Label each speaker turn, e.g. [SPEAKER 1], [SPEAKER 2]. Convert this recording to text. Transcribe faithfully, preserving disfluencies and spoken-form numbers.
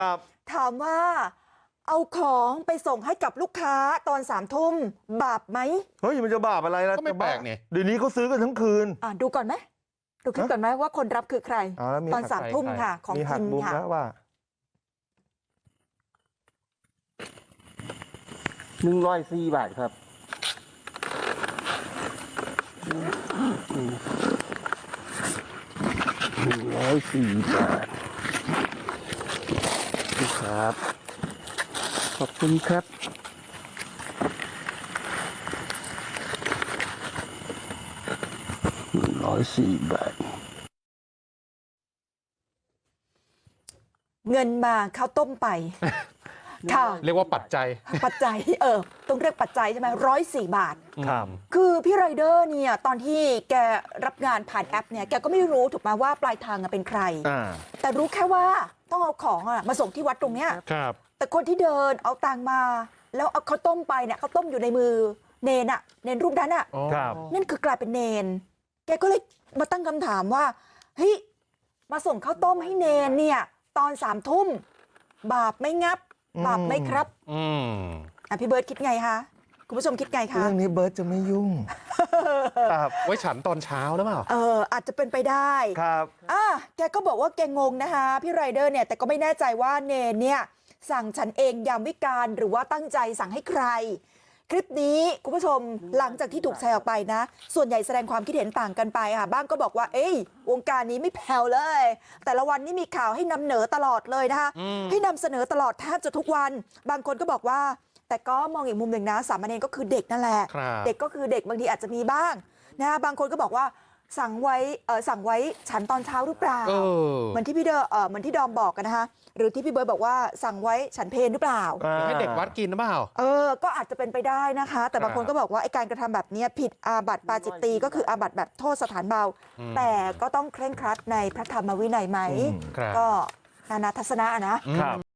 [SPEAKER 1] ครับ
[SPEAKER 2] ถามว่าเอาของไปส่งให้กับลูกค้าตอนสามทุ่มบาปไหม
[SPEAKER 1] เฮ้ยมันจะบาปอะไรล่ะ
[SPEAKER 3] ก็ไม่แปลกนี่
[SPEAKER 1] เดี๋ยวนี้เขาซื้อกันทั้งคืน
[SPEAKER 2] อ่ะดูก่อนไหมดูคลิปก่อนไหมว่าคนรับคือใคร
[SPEAKER 1] อ๋อแล้วมี
[SPEAKER 2] ตอนสามทุ่มค่ะ ของ
[SPEAKER 1] มีหั
[SPEAKER 2] พิ
[SPEAKER 1] ก
[SPEAKER 2] ม
[SPEAKER 1] มุม
[SPEAKER 2] ค่ะ
[SPEAKER 1] แล้วว่า
[SPEAKER 4] หนึ่งร้อยสี่บาทครับหนึ่งร้อยสี่บาทครับ ขอบคุณครับหนึ่งร้อยสี่บาท
[SPEAKER 2] เงินมาข้าวต้มไป ค่ะ
[SPEAKER 3] เรียกว่าปัจจัย
[SPEAKER 2] ปัจจัยเออต้องเรียกปัจจัยใช่ไหมร้อยสี่บาท
[SPEAKER 1] ครับ
[SPEAKER 2] คือพี่ไรเดอร์เนี่ยตอนที่แกรับงานผ่านแอปเนี่ยแกก็ไม่รู้ถูกไหมว่าปลายทางอะเป็นใคร
[SPEAKER 1] อ่า
[SPEAKER 2] แต่รู้แค่ว่าต้องเอาของอะมาส่งที่วัดตรงเนี้ย
[SPEAKER 3] ครับ
[SPEAKER 2] แต่คนที่เดินเอาตังมา แล้วเอาข้าวต้มไปเนี่ยข้าวต้มอยู่ในมือเนนอะเนนรูปนั้นอะ
[SPEAKER 1] ครับ
[SPEAKER 2] นั่นคือกลายเป็นเนน แกก็เลยมาตั้งคำถามว่าเฮ้ยมาส่งข้าวต้มให้เนนเนี่ยตอนสามทุ่มบาปไหม่งับบาปไหมครับ
[SPEAKER 3] อืม
[SPEAKER 2] อ่ะพี่เบิร์ดคิดไงคะคุณผู้ชมคิดไงคะ
[SPEAKER 1] เรื่องนี้เบิร์ตจะไม่ยุ่งครับ
[SPEAKER 3] ไว้ฉันตอนเช้าหรือเปล่า
[SPEAKER 2] เอออาจจะเป็นไปได้
[SPEAKER 1] ครับ
[SPEAKER 2] อ่ะแกก็บอกว่าแกงงนะคะพี่ไรเดอร์เนี่ยแต่ก็ไม่แน่ใจว่าเนนเนี่ยสั่งฉันเองยามวิกาลหรือว่าตั้งใจสั่งให้ใคร คลิปนี้คุณผู้ชมหลังจากที่ถูกแชร์ออกไปนะ ส่วนใหญ่แสดงความคิดเห็นต่างกันไปค่ะบ้างก็บอกว่าเอ้ยวงการนี้ไม่แผ่วเลย แต่ละวันนี่มีข่าวให้นำเหนอตลอดเลยนะคะให้นำเสนอตลอดแทบจะทุกวัน บางคนก็บอกว่า แต่ก็มองอีกมุมหนึ่งนะสามเณรก็คือเด็กนั่นแหละ
[SPEAKER 3] ครับ
[SPEAKER 2] เด็กก็คือเด็กบางทีอาจจะมีบ้างนะบางคนก็บอกว่าสั่งไว้เออสั่งไว้ฉันตอนเช้าหรือเปล่า
[SPEAKER 3] เออ
[SPEAKER 2] เหมือนที่พี่เดอเออเหมือนที่ดอมบอกกันนะคะหรือที่พี่เบิร์ดบอกว่าสั่งไว้ฉันเพลหรือเปล่า
[SPEAKER 3] ให้เด็กวัดกินหรือเปล่า
[SPEAKER 2] เออ ก็อาจจะเป็นไปได้นะคะ แต่บางคนก็บอกว่าไอ้การกระทำแบบนี้ผิดอาบัติปาจิตตีก็คืออาบัติแบบโทษสถานเบา
[SPEAKER 3] อืม
[SPEAKER 2] แต่ก็ต้องเคร่งครัดในพระธรรมวินัยไหม
[SPEAKER 1] อืม
[SPEAKER 3] ครับ
[SPEAKER 2] ก็นานาทัศนะนะ
[SPEAKER 1] ครับ